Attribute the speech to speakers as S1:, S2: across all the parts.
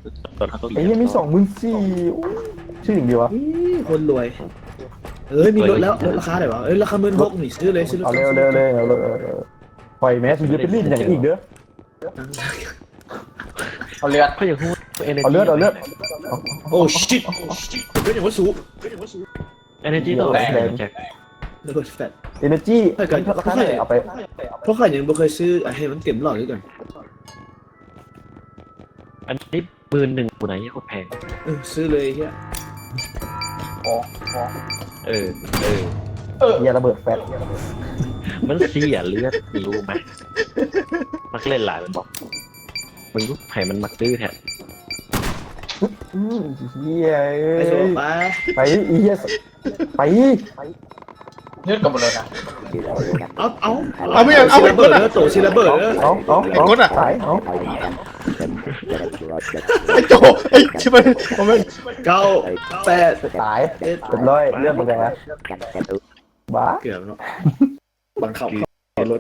S1: ตอนเขาต้อง
S2: ไอ้เหี้ยมี24,000ชื่อหนึ่งดีวะ
S3: คนรวยมีรถแล้วลดราคาได้ปะราคา16,000นี่ซื้อเลยซื้อรถ
S2: เอาเลยปล่อยแมสยืดเป็นรีดอย่างอีกเด้อ
S4: เอาเลือด
S1: เขาอย่างพูดเอเนจี
S2: เอาเลือด
S3: โอ้ชิตเป็นอย่างว่าสูง
S1: เอเนจีต้องแรงแจ็ค
S3: แล้วก็แฟต
S2: เอเนจีราคาไหนเอาไป
S3: เพราะข้ายังไม่เคยซื้อให้มันเต็มหลอดด้วยกัน
S1: อันนี้11,000กูไหนโคตรแพง
S3: ซื้อเลยเฮีย
S1: เออ
S2: เหี้ยระเบิดแฟต
S1: มันเสียเลือดรู้ไหมมักเล่นหลายมันบอกมึงรู้ไผ่มันมักดื้อแท้
S2: เหี้ย
S3: ไปโซ่ไป
S2: ไปอีเหี้ยไป
S4: เลือดกับหมดเลยนะ
S3: เอาไม่เอาระเบิดโตชิระเบิด
S2: เอาสายเอา
S5: ไอ้โจไอ้ชิบะผมเป็น
S3: 9 8
S2: สายเรียบร้อยเรื่องมันไงบ้า
S3: เกือบเนาะบังคับรถ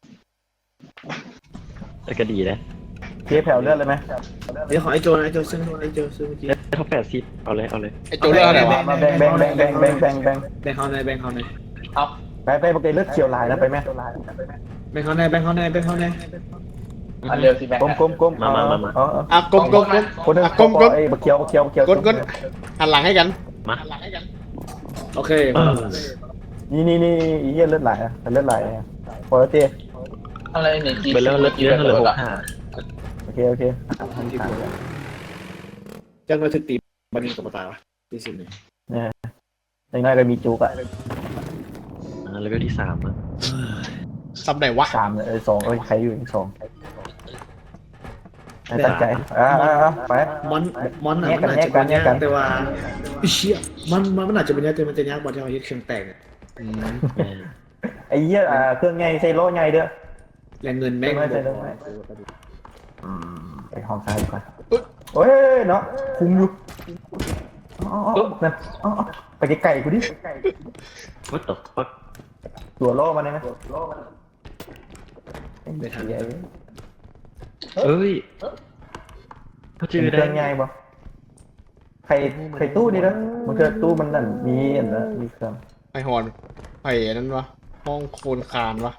S1: แต่ก็ดีนะ
S2: เทียแผ่วเลือดเลยไหม
S3: เดี๋ยวของไอโจซื้อเมื่อกี้
S1: เท่า80เอาเลย
S5: ไอ้โจเลือกอะไรวะ
S2: มาแบ่ง
S3: แบ่งเขาใน
S4: เอา
S2: ไปปกติเลือดเขียวลายนะไปไหม
S3: แบ่งเขาใน
S4: อันเร็วสิแม่ง
S2: กลม
S5: อ่ะกลม
S2: คนนึง
S5: กลม
S2: ไอ้บักเขียว
S5: กดหันหลังให้กัน
S1: มา
S3: โอเค
S2: นี่อีเหี้ยเลือดไหลอ่ะเลือดไหลพอแล้วเต้
S4: อะไรเนี่ยจี
S1: เป็นเรื่องเลือดเยอะเหลือ
S2: โ
S1: 65
S2: อเค
S3: จังเลยถึกตีบันนี้กับตายวะที่สุดเนี่ย
S2: ยังไงก็มีจุกอ่ะ
S1: เลเวลที่3อ่ะ
S5: ซับไหนวะ
S2: 3เลย2ใครอยู่2ตั้งใจไป
S3: มอนมันอาจจะเป็นยากแต่ว่าเชี่ยมันอาจจะเป็นยากแต่มันจะยากกว่าที่เรายึดเชียงแตก
S2: ไอ้เหี้ยเครื่องไงใส่โล่ไงเด้อ
S3: แรงเงินแม่ง
S2: ไปห้องซ้ายดีกว่าโอ้ยเนาะคุมอยู่นั่นไปไกลๆกูดิ
S1: What the fuck
S2: ตัวโล่มันได้ไหม
S3: ไม่ทัน
S1: เอ้ยเขาจือได้
S2: เครื่องไงบ่ใครตู้นี่นะมันคือตู้มันนั่นมีอันนะมีเครื่อง
S5: ไอ้หอนไอ้นั่นวะห้องโคนคานวะ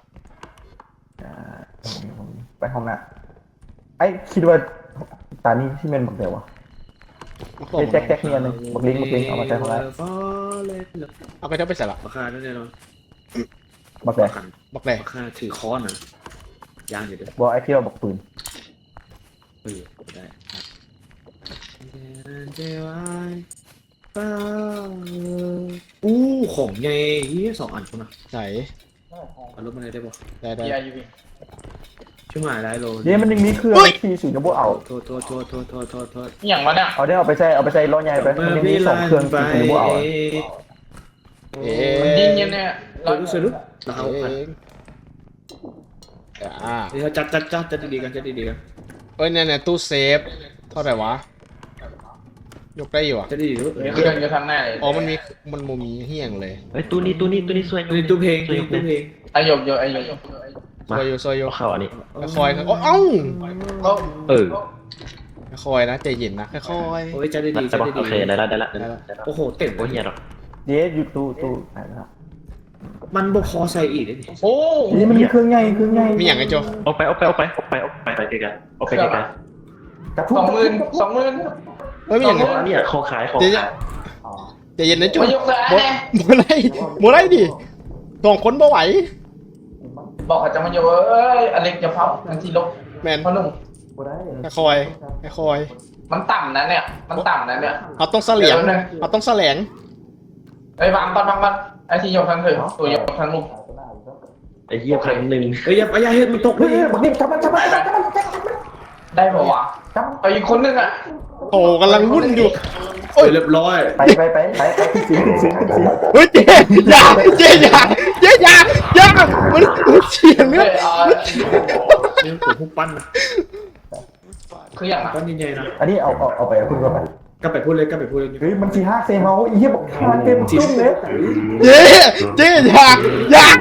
S2: ไปห้องน่ะไอ้คิดว่าตานี้ที่มันบอกเดี๋ยววะแจ็คเนี่ยนึงบักลิงเอามาใช้ของอะไร
S5: เอาไปเท่าไปใส่ละ
S3: ราคาแน่นอน
S2: บักแดง
S5: บอกเลย
S3: ราคาถือค้อนอ่ะยางอยู่ด้วย
S2: บอกไอ้ที่เราบอกปืน
S3: ได้ของไง2 อันคุณนะ
S5: ไหน
S3: เอารถมาเลยได้ป่ะ
S5: ได้
S4: เบียร์ยูวี
S3: ช่วยหายได้โล
S2: เนี่ยมันยังมีเครื่องที่สูงจะบวเอา
S3: โทษ
S4: อย่างวะเนี่ย
S2: เอาไปใส่ล้อใหญ่ไปมันยังมี2เครื่องที่สูงจะบวเอา
S4: มันยิงเนี่ย
S3: เรารู้สึกเราเอา
S5: เองอ่า
S3: เดี๋ยวจัดดีๆกัน
S5: เอ้ยเนี่ยตู้เซฟเท่าไหร่วะยกได้อยู่อ่ะ
S3: จัดดีๆ
S4: เครื่องอยู่ทางหน้าเลย
S5: อ๋อมันมีเฮี้ยงเลย
S1: เฮ้ยตู้นี้สวย
S3: ตู้เพลง
S4: ไอหยกไอหยก
S5: ซอยโย
S1: เข้าอันนี้
S5: คอยเอ้า
S1: เออ
S5: คอยนะใจเย็นนะค่อย
S3: โอ้ยจัดดี
S1: แต่บอกโอเคได้ละ
S3: โอ้โหเต็ม
S1: โอ้ยเหี้ยหรอก
S2: เดี๋ยวอยู่ตู้ไหนนะ
S3: มันบกคอใส่อีกเลย
S4: โอ้
S2: นี่มันมีเครื่องใหญ่
S5: ๆมีอย่างไอ้โจ
S1: ออกไปไกล
S2: กระทุ้
S4: 20,000
S5: เฮ้ยมีอย่าง
S1: ๆเนี่ยของขาย
S5: ใจเย็นนะโจ
S4: ไม่ยกเลย
S5: โมไรดิ2 คนบ่ไหว
S4: บอกอาจจะมายกเอ้ยอเล็กจะเผาทันทีลบ
S5: แมน
S4: พ่อหนุ่ม
S5: คอย
S4: มันต่ำนะเนี่ย
S5: เราต้องเสลียงเราต้องแสลง
S4: ไอ้วางปันไอ้ที่ยกทางถึงตัวยกทางลูก
S1: ไอ้เหี้ย1,000
S3: เฮ้ยอย่าเฮ็ดมันตกเลย
S2: บักลิงจับมัน
S4: ได้ป่าวะไปอีกคนนึงอ่ะ
S5: โอ้กำลังวุ่นอยู่
S3: โอ้ยเรียบร้อย
S2: ไปขึ้นสิง
S5: เฮ้ยเจ๊อย่ามันเฉียงเลือด
S3: นี่ผมพุ่งปั้นนะ
S4: คืออย่าง
S3: ปั้นใหญ่ๆนะ
S2: อันนี้เอาไปคุณก็ไป
S3: ก็ไปพูดเลย
S2: เฮ้ยมัน4-5เซมาอีเหี้ยบอก5เต็มจุ้งเลย
S5: เจ๊อย่า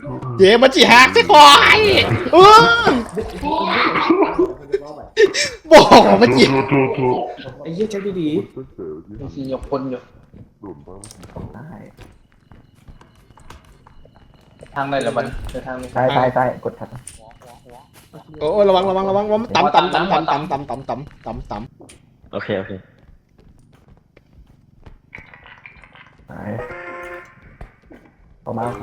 S5: เย่มันจีหักใช่คอยบอกมันจี
S3: ไอ้เหี้ยแจ็คดี
S4: ไอ้ที่ยกคนอยู่
S2: ได้
S4: ทางไหนละมันเดินทางนี้
S2: ใต้กดทัด
S5: โอ้ระวังมันต่ำ
S1: โอเคโอเค
S2: ไปออกมา
S3: ๆ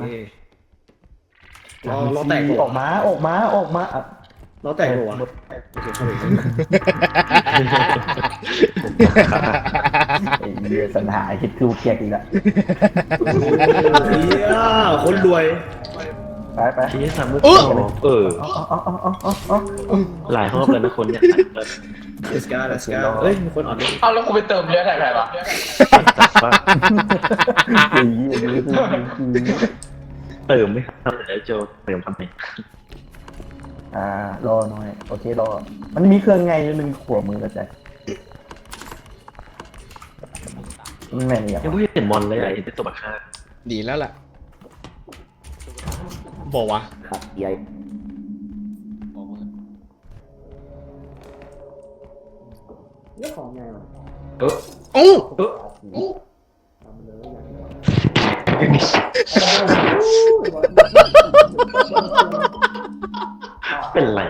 S3: ล้อแตก
S2: ออกมาอ่ะ
S3: ล้อแตกหัวโอเคเข้าไป
S2: ไอ้เหี้ยสัญหาคิดคือเกียกอีกละ
S3: เหี้ยคนรวย
S2: ไป
S1: ที่สามมือเออ หลายรอบแล้วนะคนเนี่ย
S3: let's go let's go เอ้ยมีคนอ่อนด้วย
S4: เอาแล้วกูไปเติมเลือดให้ใครวะ
S1: เติมไม่ทำแล้วโจเติมทำไม
S2: รอหน่อยโอเครอมันมีเครื่องไงนึงขวบมือกระจายแม่งเนี่ย
S1: ยังไม่เห็นมอนเลยไอ้เป็นตัวบักฆ่า
S5: ดีแล้วล่ะบอกว่า
S2: ใหญ่
S5: โอ้
S1: เป็นไร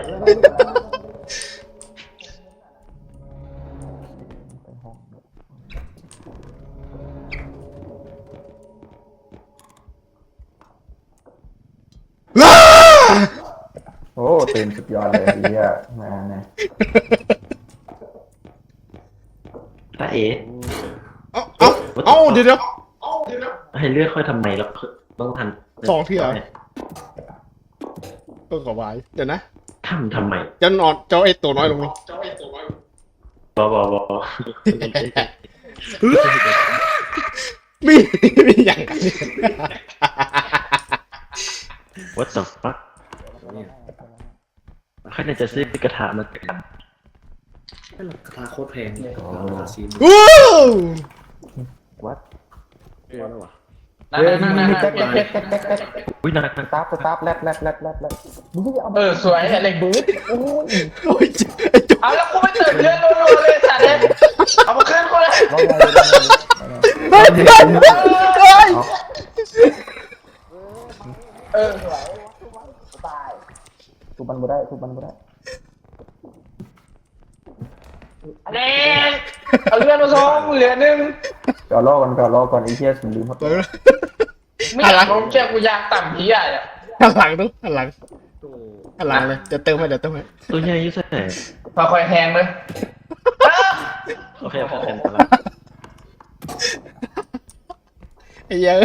S2: โอ้เต็มสุดยอดเลยเฮียมาไง
S1: ตาเอ๋
S5: เอาเดี๋ยว
S1: ให้เลือกค่อยทำไมแล้วต้องทัน
S5: สองที่เหรอเออขอไว้เดี๋ยวนะ
S1: ทำไม
S5: จะนอนเจ้าไอ้ตัวน้อยลงนี่
S1: บอ
S5: มีอย่างกันนี่
S1: What the fuck ใครจะซื้อกระถามากัน
S3: เป็นราคาโคตรแพงราคาซีน
S5: วู้
S2: วัด
S3: ตัวแล้ววะ
S4: นั่นนั่นนั่น
S2: แจ๊ก
S1: อุ้ยน่า
S2: สตาร์ทแรดมึงก็จะเอา
S4: สวยอะไรบู๊ด
S2: โอ้ย
S5: โอ้ยไอ้จุ๊
S4: เอาแล้วกูไปเติมเลือดรัวๆเลยสัตว์เลยเอามาขึ้นกูเลย
S2: รอไว้
S4: เออ
S2: ทุบมันบ่ได้
S4: เด็กเอาเลือดมาส่งเหลือหนึ่ง
S2: รอก่อนไอ้เหี้ยผมลืมหมด
S4: ไม่อยากลงแค่กูอยากต่ำที่ใหญ่อะ
S5: หันหลังดูหันหลังเลยเดี๋ยวเติมให้
S1: ตัวใหญ่ยุ่งแสบ
S4: มาคอยแทงเลย
S1: โอเคเป็นละ
S5: ไอ้เหี้ย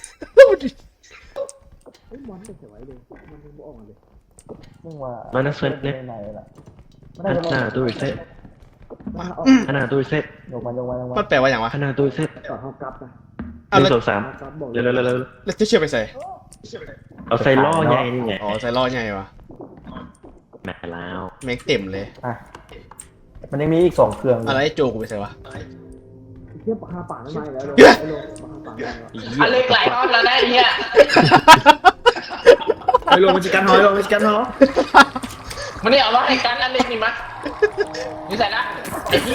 S2: มึงว่า
S1: มานักเซตเนี่ย
S2: ไหนล่ะ
S1: ขนาดตัวเซตขนาดตัวเซต
S2: ยกมัน
S5: มันแปลว่าอย่างวะ
S1: ขนาดตัวเซต
S3: ต่อห้องกลับนะ
S1: หนึ่งสองสามเร็ว
S5: แล้วจะเชื่อไปใส่
S1: เอาใส่ล่อใหญ่นี่ไง
S5: อ๋อใส่ล่อใหญ่วะ
S1: แม่แล้ว
S5: แม็กเต็มเลย
S2: มันยังมีอีก2เครื่อง
S5: อะไรโจกูไปใส่วะ
S3: เทียบราคาป่าไม่แล้วราคาป่าไม่แล้ว
S4: อันเล็กหลายรอบแล้วนะไอ้เหี้ย
S3: ไอ้ลงมันจะกันหอย
S4: มันนี่เอามาให้กันอันเล็กนี่มั้ยนี่ใส่ละไอ้เหี้ย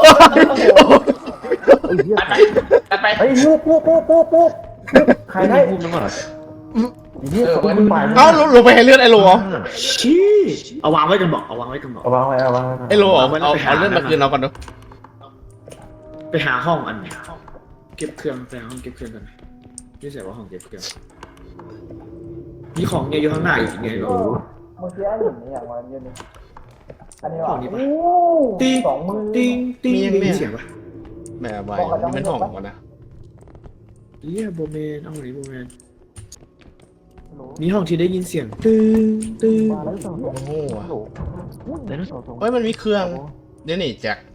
S4: ตัดไป
S2: เฮ้ยปุ๊บใครได้
S1: พูดแล้วว่า
S2: ไอ้เหี้ยคนไป
S5: เอ้าลงไปให้เลือดไอ้โลเหรอ
S3: ชี้เอาวางไว้กันบอก
S2: เอาวางไว้
S5: ไอ้โลเหรอเอาเลือดมาคืนเราก่อนดู
S3: ไปหาห้องอันเก็บเครื่องไปหาห้องเก็บเครื่องกันนี่ใส่ว่าห้องเก็บเครื่องมีของเนี่ยอยู่ข้างหน้าอีกไงก็
S2: เมื่อกี้เห็นอย่างวันเย็นนี้อันนี้
S3: ห้องนี้ปะ
S2: ตี
S3: ติ้งมีเสียงปะ
S5: แม่ใบมันห่องก่อนนะ
S3: เยี่ยโบเมนเอาไหนโบเมนมีห้องที่ได้ยินเสียงตึ้ง
S2: มาแล้วสอง
S5: โอ้โห
S1: เดี๋ยวนะ
S5: เฮ้ยมันมีเครื่องเดี๋ยวนี่แจ็ค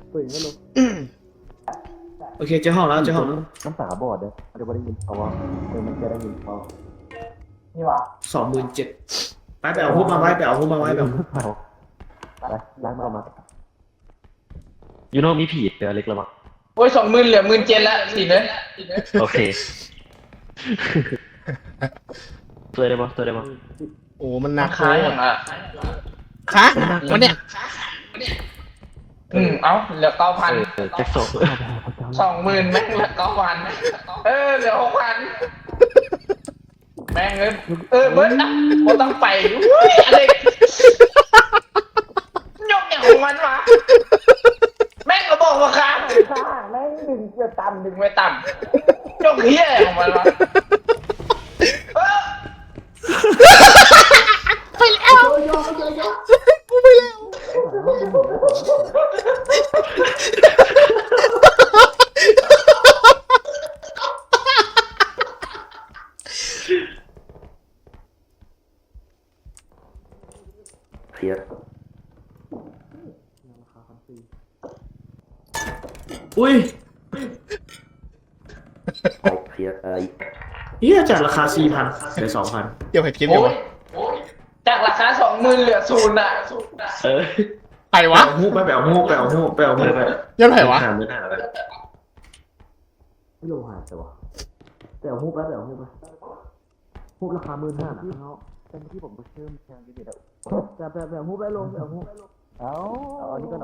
S3: โอเคเจอห้องแล้ว
S2: น้ำตาบอดเด้อเดี๋ยวได้ยินเขาว่ามันจะได้ยินเขานี่วะ
S3: 27,000ไปเอาหุ้มมาไว้ไปเอาหุ้มมาไว้แบบ
S2: ไปล้างมา
S1: ยูโน่มีผีเดี๋ยวเล็กระวัง
S4: โอ้ย20,000เหลือ17,000แล้วสิเลย
S1: โอเคช่วยได้ปะช่วยได้ปะ
S5: โอ้มันหนัก
S4: ขายอย่างอ่ะ
S5: คะมันเนี่ย
S4: เอาเหลือ9,000
S1: แจ็คส่ง
S4: 20,000แม่งเหลือ9,000เหลือ6,000แม่งเบิร์ดนะบ่ต้องไปอุ้ยอะไรยกอย่างของมันวะแม่งก็บอกว่าค้างแม่งดึงไปต่ำยกเฮี้ยของมันวะ
S5: ไปแล้วกูไปแล้ว
S1: เพียร
S3: อุ้ย
S1: เพียรไอ้
S3: เฮียจากราคา 4,000เหลือ 2,000
S5: เดี๋ยวให้พิมพ์
S4: โอ้
S5: เดี๋ยวย
S4: จากราคา20,000เหลือ0อ่ะ
S1: เออ
S5: ใครวะ
S3: เอาฮู้ไปเอาฮู้ไป
S5: ยันไผวะ
S1: หาเมื่อหน้าไป
S3: ไม่รู้หายแต่ว่าแต่เอาฮู้ไปฮู้ราคา15,000นะแต่ที่ผมไปเชื่อมแทนที่เด็ดแต่ฮู้ไปลงเอาฮู้
S2: เอานี่ก่อน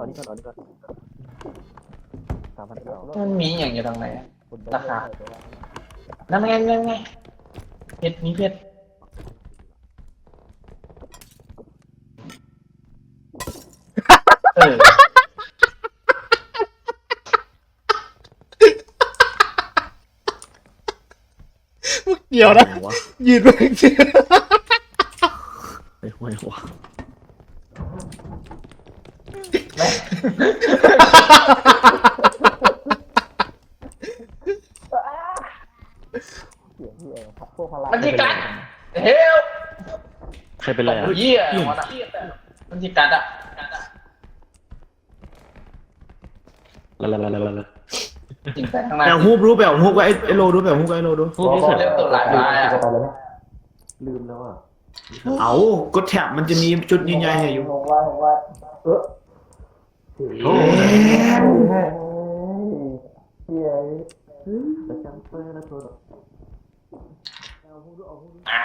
S4: มันมีอย่างอยู่ตรงไหนอะราคานั่นไงเพชรมีเพชรเออ
S5: เกี่ยวนะยืนไปจริง
S1: ไอ้ห่วยหัว
S4: มันจิกัดเฮล
S1: ใครเป็นไรอ่ะ
S4: เยี่ยมันจิกัดอ่ะ
S1: ละ
S4: จริงแต่ข้างใน
S3: แต่ฮู้รู้ไปเอาฮู้ก็ไอ้โลดูไปเอาฮู้ก็ไอ้โลดู
S1: พวกนี้เสร็จ
S4: เริ่มตัวหลายรายอ่ะ
S2: จะไปแล้วไหม
S1: ลืมแล้วอ่ะ
S3: เอากดแท็บมันจะมีจุดใหญ่ๆให้อยู่
S2: ผมว่า
S1: โ
S2: เ
S1: อ้
S2: เฮีย
S4: อ่า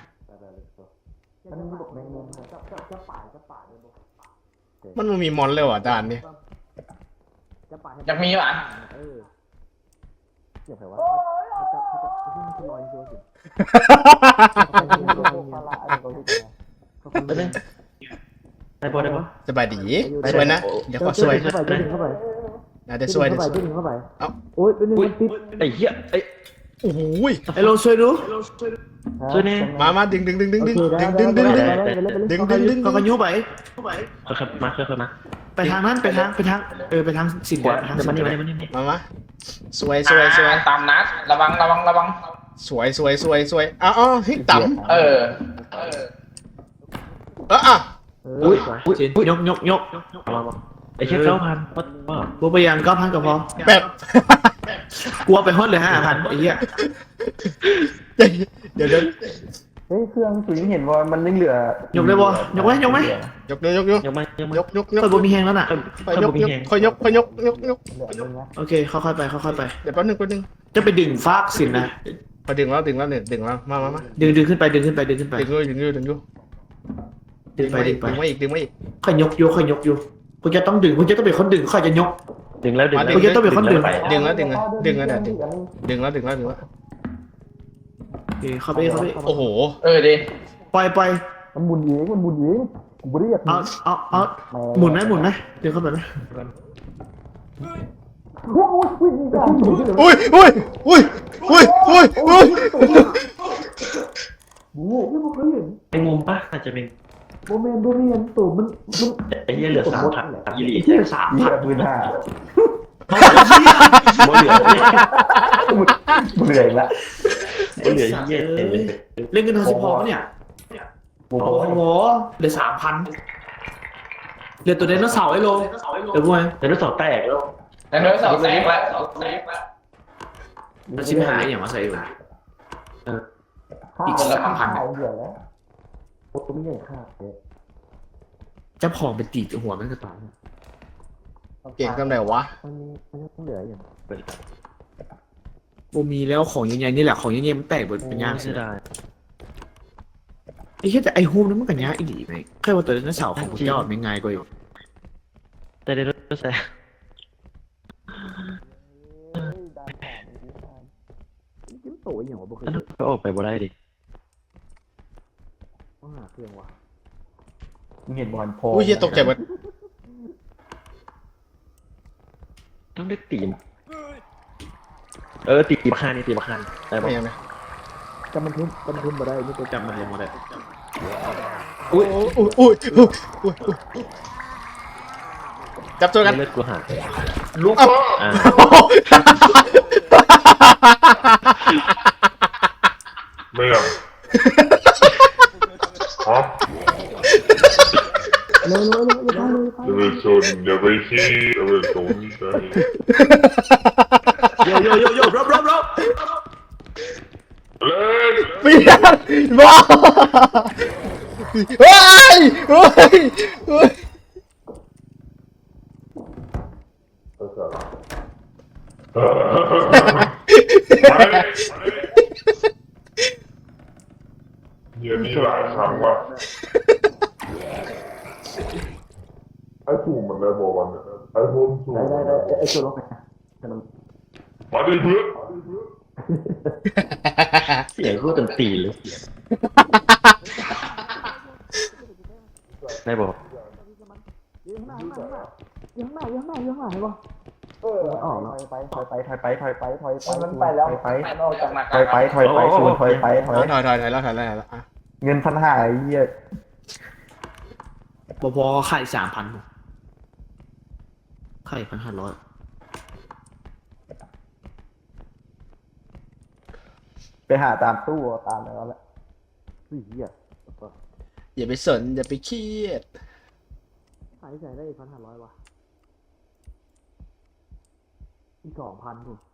S5: มันมีมอนเลยว่ะด่านนี้
S4: อยากมีป่ะ
S1: ได้ปะได้ปะ
S5: สบายดีสวยนะเดี๋ยวขอสวยน่าจะสวยเอ้า
S1: อุ้ยไอ้เหี้ยไอ้
S5: โอ้โห
S3: ไอ้โลช่วยดู
S1: ช่วยแน่
S5: มาดึง
S3: ก็กระยุไป
S1: ค่อยๆมาค่อยๆมา
S3: ไปทางนั้นไปทางไปทางสิน
S1: ขวา
S3: ไปทาง
S1: เดี๋ยว
S3: สิ
S1: มาน นี่
S3: ไป
S1: มานี่มานี่
S5: มาสวย
S4: ตามนัดระวัง
S5: สวยอ๋อให้ต่ำ
S4: เออ
S5: อ่ะ
S1: อุ้ย
S3: ยก
S1: มาไอ้เชี่ย9,000ว่า
S3: บัวไปยัง9,000ก็พอ
S5: แบบ
S3: กลัวไปฮอดเลย5,000ไอ้เหี้ย
S5: เดี๋ยว
S2: เฮ้ยเครื่องสุยเห็นว่ามันยังเหลือย
S3: กได้บ่ยกไหม
S1: ยังไม่
S3: เปิดบ่มีแฮงแล้วน่ะ
S5: ค่อยยก
S2: เหลือนึงนะ
S3: โอเคค่อยๆไปค่อยๆไป
S5: เดี๋ยวแป๊บนึง
S3: จะไปดึงฟากสินนะ
S5: พอดึงแล้วมา
S3: ดึงขึ้นไปดึงขึ้นไป
S5: ดึงอยู่
S3: ดึงไป
S5: มาอีก
S3: ค่อยยกอยู่คุณจะต้องดึงคุณจะต้องเป็นคนดึงค่อยจะยก
S1: ดึงแล้ว
S3: คุณจะต้องเป็นคนดึง
S5: ดึงแล้ว
S3: โอเคเข้าไป
S5: โอ้โห
S4: เออดิ
S3: ปล่อย
S2: มันหมุนเองผมไม่ได้อยาก
S3: เอาหมุนไหมดึงเข้าไปไหม
S5: อุ้ย
S1: ไอ้มุมปะอาจจะเป็น
S2: โบเมนตัวมัน
S1: ไอ้เหี้ยเหลือ3,000ยี่หลี
S3: ที่3,000
S2: 3,000
S1: บ่เหลือ
S2: เบื่อละ
S1: บ่เหลือเหี้ย
S3: เล่นกันทั้ง10พอเนี่ย
S2: โอ้
S3: โอ้โหเหลือ 3,000เหลือตัวไดโนเสาร์ไอ้โลเดี๋ยวพวก
S1: แต่รู้สอบแตกแล้ว
S4: แต่เนื้อสองแสงละ
S3: มันชิมหายอย่างมาใส่อยู่
S2: อีกคนละ1,000เบื่อแล้วโอ้ตัวไม่ใหญ่ค่าเจ๊
S3: จะผอมเป็นตีหัวมันก็ตาย
S5: เก่งกันไหนวะ
S2: มันยังเหลืออยู่
S3: โบมีแล้วของใหญ่ๆนี่แหละของใหญ่ๆมันแตกหมดเป็นย่าง
S1: เสียดาย
S3: ไอ้แค่แต่ไอ้ฮูมนั้นมันกันยากอีหลีไหมแค่ว่าตัวนั้นเสาของพระเจ้ามันง่ายกว่าอยู่
S1: แต่ได้รู้สึก
S3: จิ้มโตอย่างวะบ่เคย
S1: ก็ออกไปบ่ได้ดิ
S3: ต้องหาเครื่องวะ
S2: มึงเห็นบอลโพ
S5: อุ้ยเหี้ยตกใจหมด
S1: ต้องได้ตีมตีบักคานนี่ตีบักคานได้ปะ
S5: ไม่ยังไง
S3: จำมันทุ่มมาได้นี่ตัวจำมันลงมาได้
S5: อุ้ยอุ้ยอุ้ยอุ้ยอุ้ยอุ้ยจับตัวกัน
S1: เลือดกูหาย
S4: ลูกพ่อ
S1: อ่า
S6: ไม่หรอกฮะอย่าไปชนอย่าไปขี้อย่าไปสนใจ
S3: โยรับ
S6: เล่น
S5: เปลี่ยนบ้าเฮ้ยเฮ้ยเฮ้ย
S6: อย่ามีหลายครั้งว่ะไอ้ถูกมันได้บอกวันเนี่ยไอ้พวกถูก
S2: ได้ไอ้ตัวล็อกไง
S6: มาดิเพื่อน
S1: เสียงกูตันตีเลยได้บอก
S3: ยังหน้าเห็นปะ
S2: ออกแล้วถอยไป
S4: มันไปแล้ว
S2: ถอยไป
S4: มันออกจากหน้า
S2: ถอยไปถอยไปถอย
S5: ถอยแล้วอ่ะ
S2: เงิน1,500ไอ้เหี้ย
S3: พอขาย3,000ขาย1,500
S2: ไปหาตามตู้ตามแล้วแหละเหี้ย
S5: อย่าไปสนอย่าไปเครียด
S3: ขายใส่ได้1,500วะอีก2,000ถูก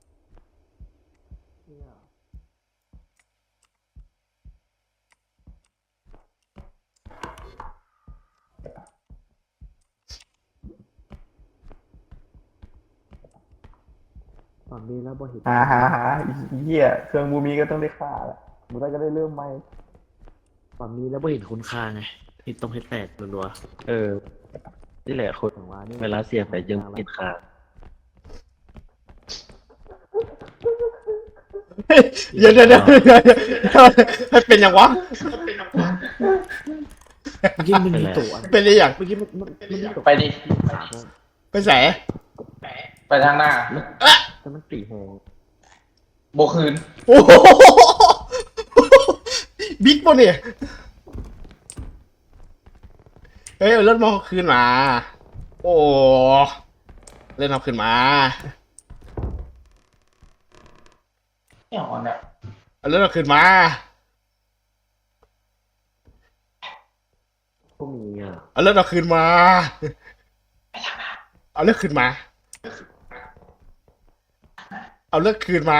S3: ฝั่งนี้แล้วบ่เห็น
S2: หาไอ้เหี้ยเครื่องมูมีก็ต้องได้ค่าแหละมูได้ก็ได้เริ่มใหม่
S3: ฝั่งนี้แล้วบ่เห็นคุณค่าไงที่ต้องให้แตกรัว
S1: นี่แหละคน
S3: ๆฝั่งว่านี่
S1: เวลาเสียไปยังติดคา
S5: เดี๋ยวให้เป็นอย่างวะ
S3: เมื่อกี้มันมีตัว
S5: เป็นอะไรอย่าง
S3: เมื่อกี้มันมีตัว
S4: ไปดิ
S5: ไปใส่
S4: ไปทางหน้า
S3: แต่มันตีแหง
S4: โบคืน
S5: โอ้โหบิ๊กปะเนี่ยเฮ้ยเอารถมาเอาคืนมา โอ้เล่นเอาคืนมา
S4: เนี่ยอ่อนเนี่ย
S5: เอารถเอาคืนมา
S3: พวกมีอ่ะ
S5: เอารถเอาคืนมา เอาเลือกคืนมา เอาเลือกคืนมา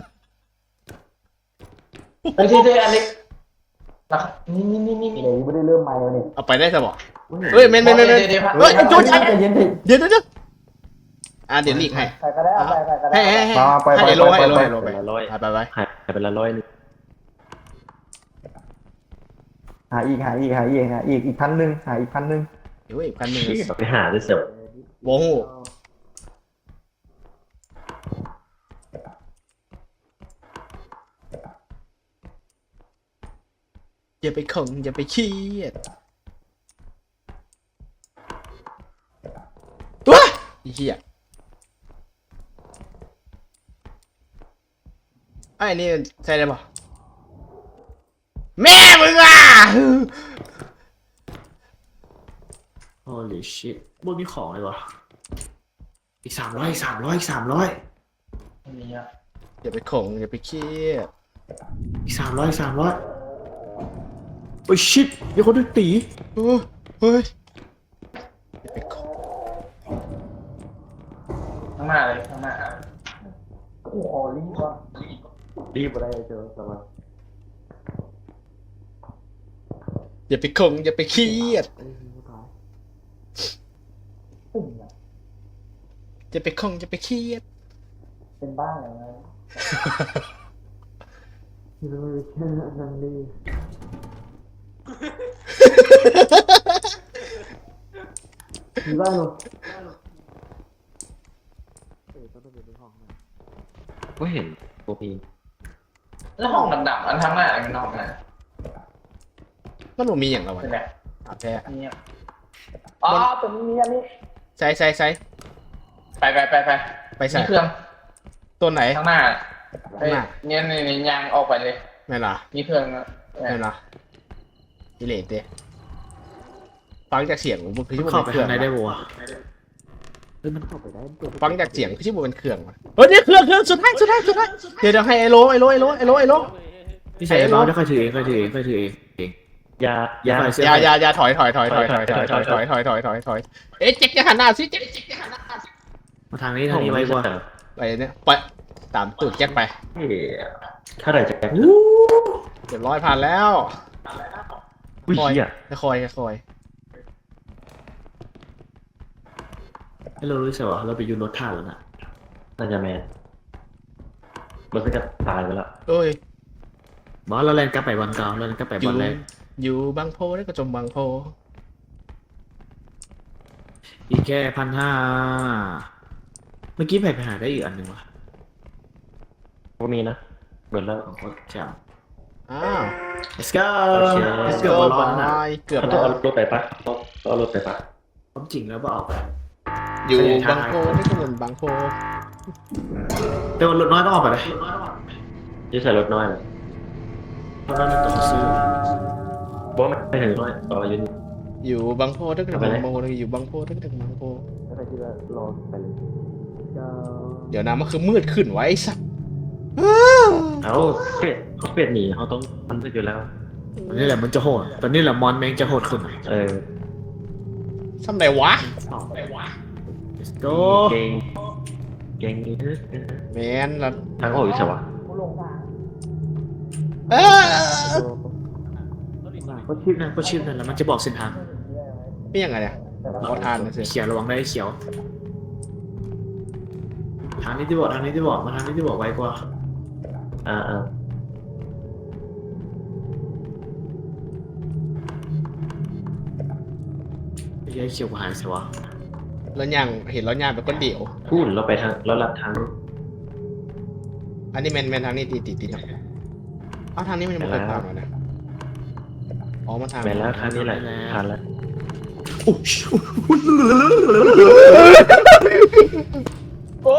S4: เฮ้ยที่อันนี้นะครับนี่
S2: เดี๋ยวไม่ได้เริ่มใหม่แล้วนี่
S5: เอาไปได้สบอเฮ้ยเมน
S4: เดี๋ยว
S5: เฮ้ยโจชัน
S2: ใจเย็นดิ
S5: เดี๋ยวเดี๋ยวหลีกให้
S2: ใครก็ได้เอาไปใครก็ได้
S5: ให้
S2: มาไป
S5: ให้โลให้โล
S2: ไป
S5: ให้โลไป
S1: เป็นละร้อย
S5: ไป
S1: หายไปละร้อยนึง
S2: หาอีกอีก1,000หาอีก1,000
S5: เดี๋ยวอีกพันหนึ่ง
S1: ไปหาด้วยเสียว
S5: โว้โหอย่าไปข่งอย่าไปเครียดตัวไอ้เหี้ยไอ้นี่ใช่ได้ปะแม่มึงอ่ะ
S3: holy shit บ่มีของเลยวะอีก300อีก300อีก300
S4: มีอ่ะ
S5: อย่าไปข่งอย่าไปเครียด
S3: อีก300อีก300โอ้ย shit เดี๋ยวคนด้วยตี
S5: โอ้เฮ้ยอย่าไปข่ง
S4: ข้างหน้าเลยข้างหน้าโอ้โหรีบว่ะ
S1: รีบ
S2: ได้เจอสวัสดี
S5: อย่าไปข่งอย่าไปเครียด
S2: ตึ้งอ่ะ
S5: อย่าไปข่งอย่าไปเครียด
S2: เป็นบ้าอย่างไร
S3: ที่เราไม่ใช่นันดีมีบ้านเหรอ
S1: ก็เห็นตัวพี
S4: แล้วห้องดำๆอันทั้งหน้ามันนอกนะ
S5: มันบ่มีอย่างละวะ
S4: เป็นไง
S5: อาบแท้
S4: อันนี้อ๋อตัวนี้มีอันนี้
S5: ใช่
S4: ไป
S5: ไปใส่
S4: มีเครื่อง
S5: ตัวไหน
S4: ข้างหน้าไป
S5: ข้างหน้า
S4: เนี่ยนี่ยางออกไปเลย
S5: แม่นล่ะ
S4: มีเครื่องนะ
S5: แม่นล่ะดิเลตเด้ฟังจากเสียงมันคือที่มัน
S2: เข้า
S5: เป็น
S2: ไป
S5: เครื่อ
S2: ข้าง งในได้
S5: วะ
S2: บัวะ
S3: มันเข้าไปได้เปิด
S5: ฟังจากเสียงคือที่มันเป็นเครื่องวะเฮ้ยเนี่ยเครื่องสุดท้ายเดี๋ยวให้ไอโล
S2: พี่ชายเราได้ค่อยถือเองค่อยถือเองค่อยถือเองเอง
S1: ยา
S2: อย่
S5: อย่าถอยเอ๊ะเจ๊กจะหันหน้าสิเจ๊ก
S2: มาทางนี้ทางนี้ไว้บัว
S5: ไปเนี่ยไปตามตูดแจ็คไป
S1: เฮ้ยเท่าไหร่จะแกะ
S5: เรียบร้อยผ่านแล้ว
S1: อุ้ยเหี้ย
S5: คอย
S2: ให้เรารู้สึกว่าเราไปยูรถท่าแล้วน่ะ
S1: น่าจะแมนมันก็จะตายไปแล้ว
S5: เอ้ย
S2: บอสเราแลนกลับไปบอลเก่าเราแลนกลับไปบอลแรก
S5: อยู่บางโพได้ก็จมบางโพ
S2: อีกแค่1,500เมื่อกี้ไปหาได้อีกอันหนึ่งวะ
S1: ก็มีนะเบิดแล้ว
S2: ของโคตรจ้า
S5: อ้าว
S2: let's go
S1: โอเค
S5: let's
S2: เกือ
S5: go
S2: บบอลร้อนนะ
S5: เกือบ
S1: ต้องเอารถไปปะต้องเอารถไปปะ
S2: ความจริงแล้วก็ออกไป
S5: อยู่บางโพได้ก็เหมือนบางโพ
S2: แต่ว่ารถน้อยต้องออกไปเลย
S1: จะใส่รถน้อยเลย
S2: รถน้อยมันต้องซื้อ
S1: บอกว่าไม่ถึงน้อยต่อยืน
S5: อยู่บางโพได้ก็
S1: เอาไป
S5: บาง
S1: ไหน
S5: โพอยู่บางโพได้ก็บางโพ
S3: อะไรที่เรารอไปเลยจะ
S5: เดี๋ยวนะมันคือมืดขึ้นไว้สัตว์
S1: เอาเป็ดหนีเขาต้องมันไปอยู่แล้ว
S2: ตอนนี้แหละมันจะโหดตอนนี้แหละมอนแมงจะโหดขึ้น
S1: เออ
S5: ซ้ำไหนวะ
S2: let's go
S1: เก่งนี่
S5: แมนละ
S1: ทางออกอยู่ใช่ปะ
S5: เออ
S2: ก็ชิปนั่นแหละมันจะบอกเส้นทาง
S5: นี่ยังไงเนี่ยขอทานนะสิ
S2: เขียวระวังได้เขียว ทางนี้ที่บอกมาทางนี้ที่บอกไว้กว่า
S1: อ่า
S2: ไอ้เขียวกว่าหายสิวะ
S5: แล้วยังเห็นแล้วยังเป็นคนเดียว
S1: พูดเราไปทางเราลัดทาง
S5: อันนี้แมนทางนี้ตีนะเอาทางนี้มันไม่เคยผ่านมานะอ๋อมันทาง
S1: ไปแล้วทางนี้แหละผ่านแล้ว
S4: โอ้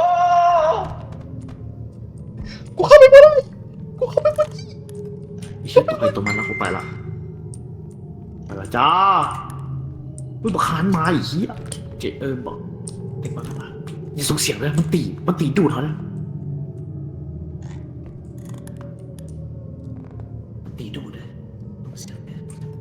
S5: กูเข้าไปไม่ได้
S2: ไอ้เชี่ยตัวใครตัวมันแล้วกูไปละจ้าอุ้ยบักคานมาอีกเหี้ยเจบอกเด็กบักคานมาอย่าส่งเสียงเลยมันตีดูดเขาเลยมันตีดูดเลยส่งเสียงเลย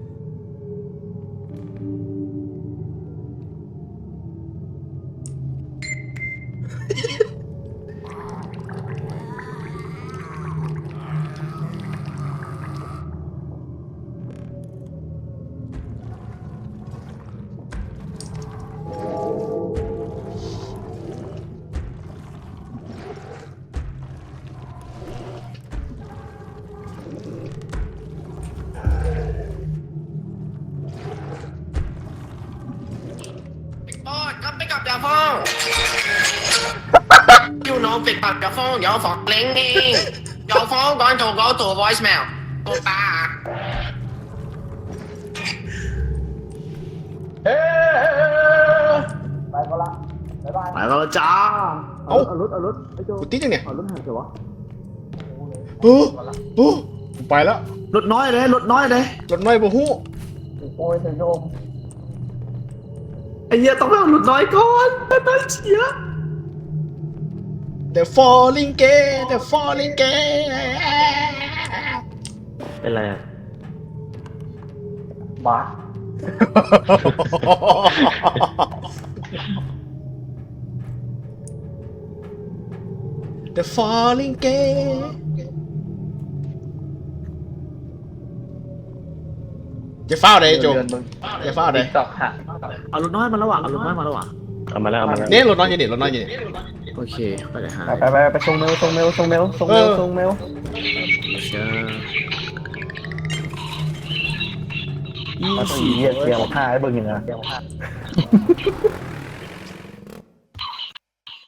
S7: 咁逼及有風，要攞逼及有風有房領應，有風講做嗰做 voicemail，我打啊！
S4: เฮ้ย
S3: ไปก็ละบ๊ายบาย
S2: ไปแล้วจ้า
S3: เอารถไอ้โจ
S5: กูติดยังเนี่ย
S3: เอารถหายเถอะวะ
S5: โอ้กูไปแล้ว
S2: รถน้อยเลย
S5: รถน้อยบ่ฮู้
S3: โอ้ยเสียงโยม
S2: ไอ้เหี้ยต้องไปเอารถน้อยก่อนตายเชีย
S5: The falling gay The falling gay
S1: เป็นไรอ่ะ
S3: บ้า
S5: The falling gay จะเฝ้าเลยโจจะเฝ้าเลย
S4: ตอกค่ะ
S2: เอารถน้อยมาแล้วว่ะเอามาแล้ว
S1: เอามาแล้ว
S5: เนี่ยรถน้อยอยู่นี่รถน้อยอยู่นี่
S2: โอเคไปเลยหา
S3: ไปส่งเมล
S2: เชื่อ
S3: มาตีเกียร์มาฆ่าให้เบิ่งอย่างเงี้ย